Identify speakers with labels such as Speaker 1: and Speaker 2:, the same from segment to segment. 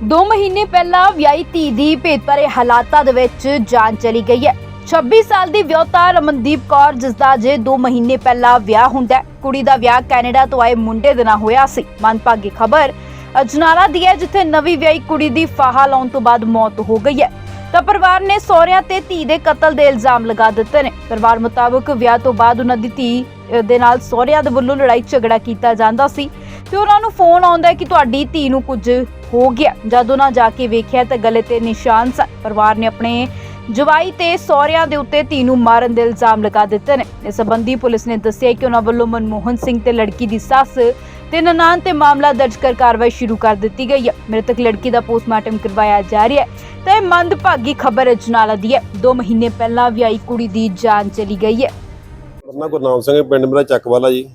Speaker 1: 2 ਮਹੀਨੇ ਪਹਿਲਾਂ ਵਿਆਹੀ ਧੀ ਦੀ ਭੇਤਭਰੇ ਹਾਲਾਤਾਂ ਦੇ ਵਿੱਚ ਜਾਨ ਚਲੀ ਗਈ ਹੈ। 26 ਸਾਲ ਦੀ ਵਿਆਹੁਤਾ ਰਮਨਦੀਪ ਕੌਰ, ਜਿਸ ਦਾ ਜੇ 2 ਮਹੀਨੇ ਪਹਿਲਾਂ ਵਿਆਹ ਹੁੰਦਾ ਹੈ। ਕੁੜੀ ਦਾ ਵਿਆਹ ਕੈਨੇਡਾ ਤੋਂ ਆਏ ਮੁੰਡੇ ਦੇ ਨਾਲ ਹੋਇਆ ਸੀ। ਮੰਦਭਾਗੀ ਖਬਰ ਅਜਨਾਲਾ ਦੀ ਹੈ, ਜਿੱਥੇ ਨਵੀਂ ਵਿਆਹੀ ਕੁੜੀ ਦੀ ਫਾਹਾ ਲਾਉਣ ਤੋਂ ਬਾਅਦ ਮੌਤ ਹੋ ਗਈ ਹੈ। ਤਾਂ ਪਰਿਵਾਰ ਨੇ ਸਹੁਰਿਆਂ ਤੇ ਧੀ ਦੇ ਕਤਲ ਦੇ ਇਲਜ਼ਾਮ ਲਗਾ ਦਿੱਤੇ ਨੇ। ਪਰਿਵਾਰ ਮੁਤਾਬਕ ਵਿਆਹ ਤੋਂ ਬਾਅਦ ਉਹਨਾਂ ਦੀ ਧੀ ਦੇ ਨਾਲ ਸਹੁਰਿਆਂ ਦੇ ਵੱਲੋਂ ਲੜਾਈ ਝਗੜਾ ਕੀਤਾ ਜਾਂਦਾ ਸੀ ਤੇ ਉਹਨਾਂ ਨੂੰ ਫੋਨ ਆਉਂਦਾ ਕਿ ਤੁਹਾਡੀ ਧੀ ਨੂੰ ਕੁਝ ਹੋ ਗਿਆ। ਜਦ ਉਹਨਾਂ ਜਾ ਕੇ ਵੇਖਿਆ ਤਾਂ ਗਲੇ ਤੇ ਨਿਸ਼ਾਨ ਸਨ। ਪਰਿਵਾਰ ਨੇ ਆਪਣੇ ਜਵਾਈ ਤੇ ਸਹੁਰਿਆਂ ਦੇ ਉੱਤੇ ਧੀ ਨੂੰ ਮਾਰਨ ਦੇ ਇਲਜ਼ਾਮ ਲਗਾ ਦਿੱਤੇ ਨੇ। ਇਸ ਸੰਬੰਧੀ ਪੁਲਿਸ ਨੇ ਦੱਸਿਆ ਕਿ ਉਹਨਾਂ ਵੱਲੋਂ ਮਨਮੋਹਨ ਸਿੰਘ ਤੇ ਲੜਕੀ ਦੀ ਸੱਸ ਤੇ ਨਨਾਣ ਤੇ ਮਾਮਲਾ ਦਰਜ ਕਰ ਕਾਰਵਾਈ ਸ਼ੁਰੂ ਕਰ ਦਿੱਤੀ ਗਈ ਹੈ। ਮ੍ਰਿਤਕ ਲੜਕੀ ਦਾ ਪੋਸਟਮਾਰਟਮ ਕਰਵਾਇਆ ਜਾ ਰਿਹਾ ਹੈ। ਤੇ ਮੰਦਭਾਗੀ ਖਬਰ ਅਜਨਾਲਾ ਦੀ ਹੈ। 2 ਮਹੀਨੇ ਪਹਿਲਾਂ ਵਿਆਹੀ ਕੁੜੀ ਦੀ ਜਾਨ ਚਲੀ ਗਈ ਹੈ।
Speaker 2: ਮੇਰਾ ਗੁਰਨਾਮ ਸਿੰਘ, ਪਿੰਡ ਮੇਰਾ ਚੱਕਵਾਲਾ ਜੀ।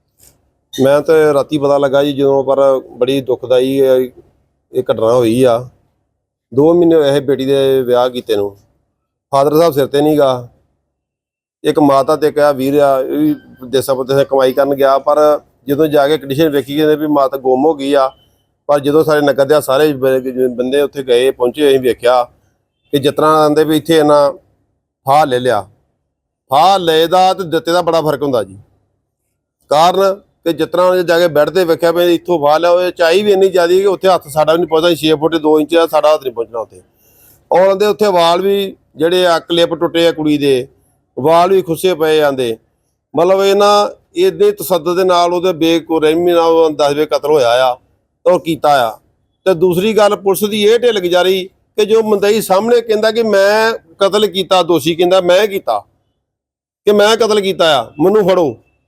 Speaker 2: ਮੈਂ ਤਾਂ ਰਾਤੀ ਪਤਾ ਲੱਗਾ ਜੀ ਜਦੋਂ, ਪਰ ਬੜੀ ਦੁਖਦਾਈ ਇਹ ਘਟਨਾ ਹੋਈ ਆ। 2 ਮਹੀਨੇ ਹੋਏ ਬੇਟੀ ਦੇ ਵਿਆਹ ਕੀਤੇ ਨੂੰ। ਫਾਦਰ ਸਾਹਿਬ ਸਿਰ ਤੇ ਨਹੀਂ ਗਾ, ਇੱਕ ਮਾਤਾ ਤੇ ਕਿਹਾ ਵੀਰ ਆ, ਇਹ ਵੀ ਦੇਸਾਂ ਪਰਦੇਸਾਂ ਕਮਾਈ ਕਰਨ ਗਿਆ। ਪਰ ਜਦੋਂ ਜਾ ਕੇ ਕੰਡੀਸ਼ਨ ਵੇਖੀ ਕਹਿੰਦੇ ਵੀ ਮਾਤਾ ਗੁੰਮ ਹੋ ਗਈ ਆ। ਪਰ ਜਦੋਂ ਸਾਰੇ ਨਗਰ ਦੇ ਸਾਰੇ ਬੰਦੇ ਉੱਥੇ ਗਏ ਪਹੁੰਚੇ, ਅਸੀਂ ਵੇਖਿਆ ਕਿ ਜਿਸ ਤਰ੍ਹਾਂ ਆਂਦੇ ਵੀ ਇੱਥੇ ਇਹਨਾਂ ਫਾਹ ਲੈ ਲਿਆ। ਫਾਹ ਲਏ ਦਾ ਤੇ ਦਿੱਤੇ ਦਾ ਬੜਾ ਫਰਕ ਹੁੰਦਾ ਜੀ। ਕਾਰਨ ਕਿ ਜਿਸ ਤਰ੍ਹਾਂ ਜਾ ਕੇ ਬੈੱਡ ਤੇ ਵੇਖਿਆ ਵੀ ਇੱਥੋਂ ਫਾਹ ਲਿਆ, ਉਹ ਚਾਈ ਵੀ ਇੰਨੀ ਜ਼ਿਆਦਾ ਕਿ ਉੱਥੇ ਹੱਥ ਸਾਡਾ ਵੀ ਨਹੀਂ ਪਹੁੰਚਦਾ। 6 ਫੁੱਟ 2 ਇੰਚ ਦਾ ਸਾਡਾ ਹੱਥ ਨਹੀਂ ਪਹੁੰਚਣਾ ਉੱਥੇ। ਔਰ ਉਹਦੇ ਉੱਥੇ ਵਾਲ ਵੀ ਜਿਹੜੇ ਆ ਕਲਿੱਪ ਟੁੱਟੇ ਆ, ਕੁੜੀ ਦੇ ਵਾਲ ਵੀ ਖੁੱਸੇ ਪਏ ਜਾਂਦੇ। ਮਤਲਬ ਇਹਨਾਂ ਇਹਦੇ ਤਸੱਦਦ ਦੇ ਨਾਲ ਉਹਦੇ ਬੇਰਹਿਮੀ ਨਾਲ 10 ਵੇ ਕਤਲ ਹੋਇਆ ਆ ਔਰ ਕੀਤਾ ਆ। ਤੇ ਦੂਸਰੀ ਗੱਲ, ਪੁਲਿਸ ਦੀ ਇਹ ਢਿੱਲ ਗੁਜ਼ਾਰੀ ਕਿ ਜੋ ਮੁੰਦਈ ਸਾਹਮਣੇ ਕਹਿੰਦਾ ਕਿ ਮੈਂ ਕਤਲ ਕੀਤਾ, ਦੋਸ਼ੀ ਕਹਿੰਦਾ ਮੈਂ ਕੀਤਾ, ਕਿ ਮੈਂ ਕਤਲ ਕੀਤਾ ਆ, ਮੈਨੂੰ ਫੜੋ।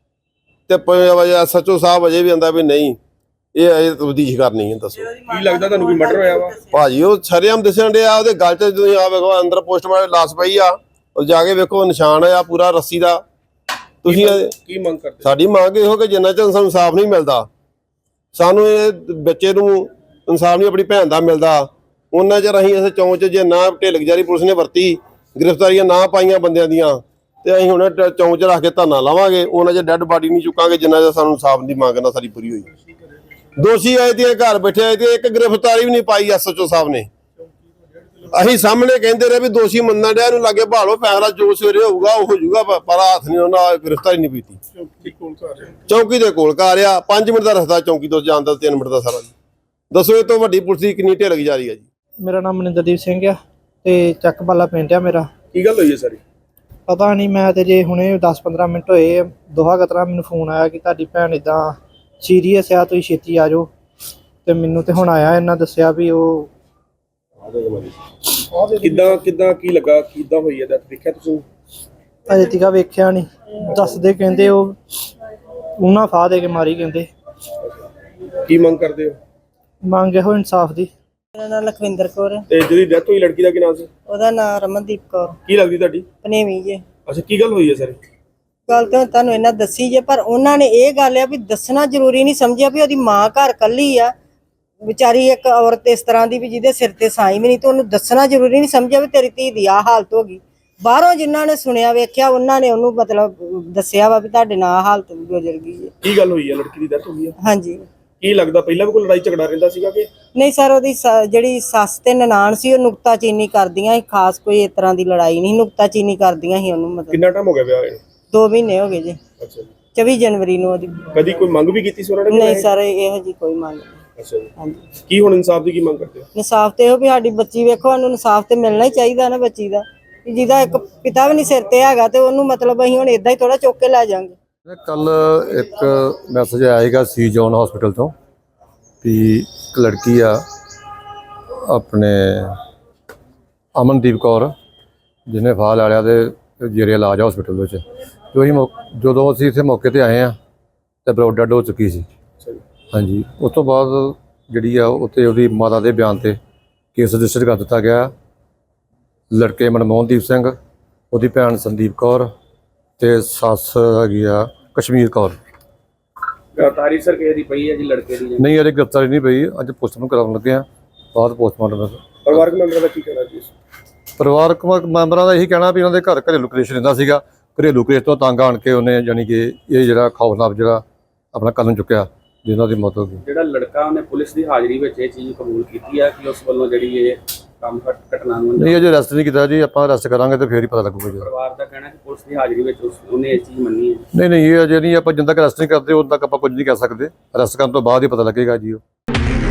Speaker 2: ਤੇ SHO ਸਾਹਿਬ ਅਜੇ ਵੀ ਆਂਦਾ ਵੀ ਨਹੀਂ, ਇਹ ਤਬਦੀਸ਼ ਕਰਨੀ ਹੈ। ਦੱਸੋ
Speaker 3: ਕੀ ਲੱਗਦਾ ਤੁਹਾਨੂੰ, ਕੋਈ ਮਰਡਰ ਹੋਇਆ ਵਾ?
Speaker 2: ਭਾਜੀ ਉਹ ਸ਼ਰੇਆਮ ਦਿਸਣ ਡਿਆ, ਉਹਦੇ ਗਲ 'ਚ ਤੁਸੀਂ ਆ ਵੇਖੋ ਅੰਦਰ ਪੋਸਟਮਾਰਟਮ ਲਾਸ਼ ਪਈ ਆ, ਉਹ ਜਾ ਕੇ ਵੇਖੋ ਨਿਸ਼ਾਨ ਆ ਪੂਰਾ ਰੱਸੀ ਦਾ। ਤੁਸੀਂ
Speaker 3: ਕੀ ਮੰਗ ਕਰਦੇ?
Speaker 2: ਸਾਡੀ ਮੰਗ ਇਹੋ ਕਿ ਜਿੰਨਾ ਚਿਰ ਸਾਨੂੰ ਇਨਸਾਫ ਨਹੀਂ ਮਿਲਦਾ, ਸਾਨੂੰ ਇਹ ਬੱਚੇ ਨੂੰ ਇਨਸਾਫ ਨਹੀਂ ਆਪਣੀ ਭੈਣ ਦਾ ਮਿਲਦਾ, ਉਹਨਾਂ ਚਿਰ ਅਸੀਂ ਇਸ ਚੌਂਚ 'ਚ ਜੇ ਨਾ ਢਿੱਲ ਗੁਜ਼ਾਰੀ ਪੁਲਿਸ ਨੇ ਵਰਤੀ, ਗ੍ਰਿਫਤਾਰੀਆਂ ਨਾ ਪਾਈਆਂ ਬੰਦਿਆਂ ਦੀਆਂ, ਤੇ ਅਸੀਂ ਹੁਣ ਚੌਂਚ 'ਚ ਰੱਖ ਕੇ ਧਰਨਾ ਲਾਵਾਂਗੇ। ਉਹਨਾਂ ਚਿਰ ਡੈੱਡ ਬਾਡੀ ਨਹੀਂ ਚੁੱਕਾਂਗੇ ਜਿੰਨਾ ਚਿਰ ਸਾਨੂੰ ਇਨਸਾਫ ਦੀ ਮੰਗ ਨਾ ਸਾਡੀ ਪੂਰੀ ਹੋਈ। ਦੋਸ਼ੀ ਆਏ ਤੇ ਘਰ ਬੈਠੇ ਆਏ ਤੇ ਇੱਕ ਗ੍ਰਿਫਤਾਰੀ ਵੀ ਨਹੀਂ ਪਾਈ SHO ਸਾਹਿਬ ਨੇ। ਅਸੀਂ ਸਾਹਮਣੇ ਕਹਿੰਦੇ ਰਹੇ ਵੀ ਦੋਸ਼ੀ ਮੰਨਣ ਡਿਆ, ਇਹਨੂੰ ਲਾਗੇ ਭਾਲੋ, ਫੈਸਲਾ ਜੋ ਸਵੇਰੇ ਹੋਊਗਾ ਉਹ ਹੋ ਜਾਊਗਾ, ਪਰ ਹੱਥ ਨਹੀਂ ਉਹਨਾਂ ਗ੍ਰਿਫਤਾਰੀ ਨਹੀਂ ਕੀਤੀ। ਚੌਂਕੀ ਦੇ ਕੋਲ ਘਰ ਆ, 5 ਮਿੰਟ ਦਾ ਰਸਤਾ ਚੌਂਕੀ ਤੋਂ ਜਾਣ ਦਾ, 3 ਮਿੰਟ ਦਾ ਸਾਰਾ। ਦੱਸੋ ਇਹ ਤੋਂ ਵੱਡੀ ਪੁਲਿਸ ਦੀ ਕਿੰਨੀ ਢਿੱਲ ਗੁਜ਼ਾਰੀ ਆ ਜੀ।
Speaker 4: ਮੇਰਾ ਨਾਮ ਮਨਿੰਦਰਦੀਪ ਸਿੰਘ ਆ ਤੇ ਚੱਕਬਾਲਾ ਪਿੰਡ ਆ ਮੇਰਾ।
Speaker 3: ਕੀ ਗੱਲ ਹੋਈ ਹੈ ਸਾਰੀ?
Speaker 4: ਪਤਾ ਨਹੀਂ, ਮੈਂ ਤੇ ਜੇ ਹੁਣੇ 10-15 ਮਿੰਟ ਹੋਏ ਦੋਹਾ ਕਤਰਾ ਮੈਨੂੰ ਫੋਨ ਆਇਆ ਕਿ ਤੁਹਾਡੀ ਭੈਣ ਇਦਾਂ ਸੀਰੀਅਸ ਆ, ਤੁਸੀਂ ਛੇਤੀ ਆ ਜਾਓ। ਤੇ ਮੈਨੂੰ ਤੇ ਹੁਣ ਆਇਆ, ਇਹਨਾਂ ਦੱਸਿਆ ਵੀ ਉਹ
Speaker 3: ਕਿੱਦਾਂ ਕੀ ਲੱਗਾ, ਕਿੱਦਾਂ ਹੋਈ ਹੈ? ਦੇਖਿਆ ਤੁਸੀਂ?
Speaker 4: ਅਜੇ ਤੀਕ ਵੇਖਿਆ ਨਹੀਂ, ਦੱਸਦੇ ਕਹਿੰਦੇ ਉਹ ਉਹਨਾਂ ਫਾਹ ਦੇ ਕੇ ਮਾਰੀ ਕਹਿੰਦੇ।
Speaker 3: ਕੀ ਮੰਗ ਕਰਦੇ ਹੋ?
Speaker 4: ਮੰਗ ਇਹੋ ਇਨਸਾਫ ਦੀ।
Speaker 5: ਮੇਰਾ ਨਾਮ ਲਖਵਿੰਦਰ ਕੌਰ ਹੈ।
Speaker 3: ਤੇ ਜਿਹਦੀ ਡੈਥ ਹੋਈ ਲੜਕੀ ਦਾ ਕੀ ਨਾਮ ਸੀ?
Speaker 5: ਉਹਦਾ ਨਾਮ ਰਮਨਦੀਪ ਕੌਰ।
Speaker 3: ਕੀ ਲੱਗਦੀ ਤੁਹਾਡੀ?
Speaker 5: ਪਨੇਵੀ ਜੇ।
Speaker 3: ਅੱਛਾ, ਕੀ ਗੱਲ ਹੋਈ ਹੈ ਸਾਰੀ?
Speaker 5: ਗੱਲ ਤਾਂ ਤੁਹਾਨੂੰ ਇਹਨਾਂ ਦੱਸੀ ਜੇ, ਪਰ ਉਹਨਾਂ ਨੇ ਇਹ ਗੱਲ ਆ ਵੀ ਦੱਸਣਾ ਜ਼ਰੂਰੀ ਨਹੀਂ ਸਮਝਿਆ ਵੀ ਉਹਦੀ ਮਾਂ ਘਰ ਕੱਲੀ ਆ ਵਿਚਾਰੀ, ਇੱਕ ਔਰਤ ਇਸ ਤਰ੍ਹਾਂ ਦੀ ਵੀ ਜਿਹਦੇ ਸਿਰ ਤੇ ਸਾਈ ਵੀ ਨਹੀਂ, ਤੇ ਉਹਨੂੰ ਦੱਸਣਾ ਜ਼ਰੂਰੀ ਨਹੀਂ ਸਮਝਿਆ ਵੀ ਤੇਰੀ ਧੀ ਦੀ ਆਹ ਹਾਲਤ ਹੋ ਗਈ। ਬਾਹਰੋਂ ਜਿਨ੍ਹਾਂ ਨੇ ਸੁਣਿਆ ਵੇਖਿਆ ਉਹਨਾਂ ਨੇ ਉਹਨੂੰ ਮਤਲਬ ਦੱਸਿਆ ਵਾ ਵੀ ਤੁਹਾਡੇ ਨਾਲ ਹਾਲਤ ਗੁਜ਼ਰ ਗਈ ਹੈ।
Speaker 3: ਕੀ ਗੱਲ ਹੋਈ ਹੈ? ਲੜਕੀ ਦੀ ਡੈਥ ਹੋ ਗਈ ਹੈ?
Speaker 5: ਹਾਂਜੀ।
Speaker 3: ਕੀ ਲੱਗਦਾ ਪਹਿਲਾਂ ਵੀ ਕੋਈ ਲੜਾਈ ਝਗੜਾ ਰਹਿੰਦਾ ਸੀਗਾ ਕਿ
Speaker 5: ਨਹੀਂ ਸਰ, ਉਹਦੀ ਜਿਹੜੀ ਸੱਸ ਤੇ ਨਨਾਣ ਸੀ ਉਹ ਨੁਕਤਾਚੀਨੀ ਕਰਦੀਆਂ ਸੀ, ਖਾਸ ਕੋਈ ਇਸ ਤਰ੍ਹਾਂ ਦੀ ਲੜਾਈ ਨਹੀਂ, ਨੁਕਤਾਚੀਨੀ ਕਰਦੀਆਂ ਸੀ ਉਹਨੂੰ। ਮਤਲਬ
Speaker 3: ਕਿੰਨਾ ਟਾਈਮ ਹੋ ਗਿਆ ਵਿਆਹ ਹੋਏ?
Speaker 5: 2 ਮਹੀਨੇ ਹੋ ਗਏ ਜੀ।
Speaker 3: ਅੱਛਾ ਜੀ।
Speaker 5: 24 ਜਨਵਰੀ ਨੂੰ ਉਹਦੀ।
Speaker 3: ਕਦੀ ਕੋਈ ਮੰਗ ਵੀ ਕੀਤੀ ਸੀ ਉਹਨਾਂ ਨੇ?
Speaker 5: ਨਹੀਂ ਸਰ, ਇਹੋ ਜੀ ਕੋਈ ਮੰਗ ਨਹੀਂ।
Speaker 3: ਅੱਛਾ ਜੀ।
Speaker 5: ਹਾਂਜੀ।
Speaker 3: ਕੀ ਹੁਣ ਇਨਸਾਫ ਦੀ ਕੀ ਮੰਗ ਕਰਦੇ ਹੋ?
Speaker 5: ਇਨਸਾਫ ਤੇ ਇਹੋ ਵੀ ਸਾਡੀ ਬੱਚੀ ਵੇਖੋ, ਉਹਨੂੰ ਇਨਸਾਫ ਤੇ ਮਿਲਣਾ ਹੀ ਚਾਹੀਦਾ ਨਾ ਬੱਚੀ ਦਾ, ਜਿਹਦਾ ਇੱਕ ਪਿਤਾ ਵੀ ਨਹੀਂ ਸਿਰ ਤੇ ਹੈਗਾ, ਤੇ ਉਹਨੂੰ ਮਤਲਬ ਅਸੀਂ ਹੁਣ ਇਦਾਂ ਹੀ ਥੋੜਾ ਚੁੱਕ ਕੇ ਲੈ ਜਾਵਾਂਗੇ।
Speaker 6: ਕੱਲ ਇੱਕ ਮੈਸੇਜ ਆਇਆ ਸੀਗਾ ਸੀ ਜੋਨ ਹਸਪੀਟਲ ਤੋਂ ਵੀ ਇੱਕ ਲੜਕੀ ਆ ਆਪਣੇ ਅਮਨਦੀਪ ਕੌਰ, ਜਿਹਨੇ ਫਾਹ ਲੈ ਲਿਆ ਤੇ ਜੇਰੇ ਇਲਾਜ ਹਸਪੀਟਲ ਵਿੱਚ। ਜਦੋਂ ਅਸੀਂ ਇੱਥੇ ਮੌਕੇ ਤੇ ਆਏ ਆ ਤੇ ਬਰੋਡ ਡੈਡ ਹੋ ਚੁੱਕੀ ਸੀ। ਹਾਂਜੀ, ਉਸ ਤੋਂ ਬਾਅਦ ਜਿਹੜੀ ਆ ਉੱਥੇ ਉਹਦੀ ਮਾਤਾ ਦੇ ਬਿਆਨ ਤੇ ਕੇਸ ਰਜਿਸਟਰ ਕਰ ਦਿੱਤਾ ਗਿਆ। ਲੜਕੇ ਮਨਮੋਹਨਦੀਪ ਸਿੰਘ, ਉਹਦੀ ਭੈਣ ਸੰਦੀਪ ਕੌਰ ਤੇ ਸੱਸ ਹੈਗੀ ਆ ਕਸ਼ਮੀਰ ਕੌਰ।
Speaker 3: ਤਾਰੀਖ ਸਰ ਕਿਸੇ ਦੀ ਪਈ ਹੈ ਜੀ ਲੜਕੇ ਦੀ?
Speaker 6: ਨਹੀਂ, ਅਜੇ ਗ੍ਰਿਫਤਾਰੀ ਨਹੀਂ ਪਈ, ਅੱਜ ਪੋਸਟਮਾਰਟਮ ਕਰਾਉਣ ਲੱਗੇ ਆ, ਬਾਅਦ ਪੋਸਟਮਾਰਟਮ।
Speaker 3: ਪਰਿਵਾਰਕ ਮੈਂਬਰਾਂ ਦਾ ਕੀ ਕਹਿਣਾ ਜੀ?
Speaker 6: ਪਰਿਵਾਰਕ ਮੈਂਬਰਾਂ ਦਾ ਇਹੀ ਕਹਿਣਾ ਵੀ ਉਹਨਾਂ ਦੇ ਘਰ ਘਰੇਲੂ ਕਲੇਸ਼ ਰਹਿੰਦਾ ਸੀਗਾ। ਘਰੇਲੂ ਕਲੇਸ਼ ਤੋਂ ਤੰਗ ਆਣ ਕੇ ਉਹਨੇ ਯਾਨੀ ਕਿ ਇਹ ਜਿਹੜਾ ਖੌਫਨਾਕ ਜਿਹੜਾ ਆਪਣਾ ਕਦਮ ਚੁੱਕਿਆ, ਜਿਨ੍ਹਾਂ ਦੀ ਮੌਤ ਹੋ ਗਈ।
Speaker 3: ਜਿਹੜਾ ਲੜਕਾ ਉਹਨੇ ਪੁਲਿਸ ਦੀ ਹਾਜ਼ਰੀ ਵਿੱਚ ਇਹ ਚੀਜ਼ ਕਬੂਲ ਕੀਤੀ ਹੈ ਕਿ ਉਸ ਵੱਲੋਂ ਜਿਹੜੀ ਇਹ ਕੰਮ ਘਟਨਾ ਨੂੰ
Speaker 6: ਨਹੀਂ ਅਜੇ ਅਰੈਸਟ ਨਹੀਂ ਕੀਤਾ ਜੀ, ਆਪਾਂ ਅਰੈਸਟ ਕਰਾਂਗੇ ਤੇ ਫੇਰ ਹੀ ਪਤਾ ਲੱਗੂਗਾ ਜੀ।
Speaker 3: ਪਰਿਵਾਰ ਦਾ ਕਹਿਣਾ ਕਿ ਪੁਲਿਸ ਦੀ ਹਾਜ਼ਰੀ ਵਿੱਚ ਉਹਨੇ ਇਹ ਚੀਜ਼ ਮੰਨੀ ਹੈ।
Speaker 6: ਨਹੀਂ ਇਹ ਅਜੇ ਨਹੀਂ, ਆਪਾਂ ਜਿੰਨਾ ਤੱਕ ਅਰੈਸਟ ਨਹੀਂ ਕਰਦੇ ਉਦੋਂ ਤੱਕ ਆਪਾਂ ਕੁਝ ਨਹੀਂ ਕਹਿ ਸਕਦੇ। ਅਰੈਸਟ ਕਰਨ ਤੋਂ ਬਾਅਦ ਹੀ ਪਤਾ ਲੱਗੇਗਾ ਜੀ ਉਹ।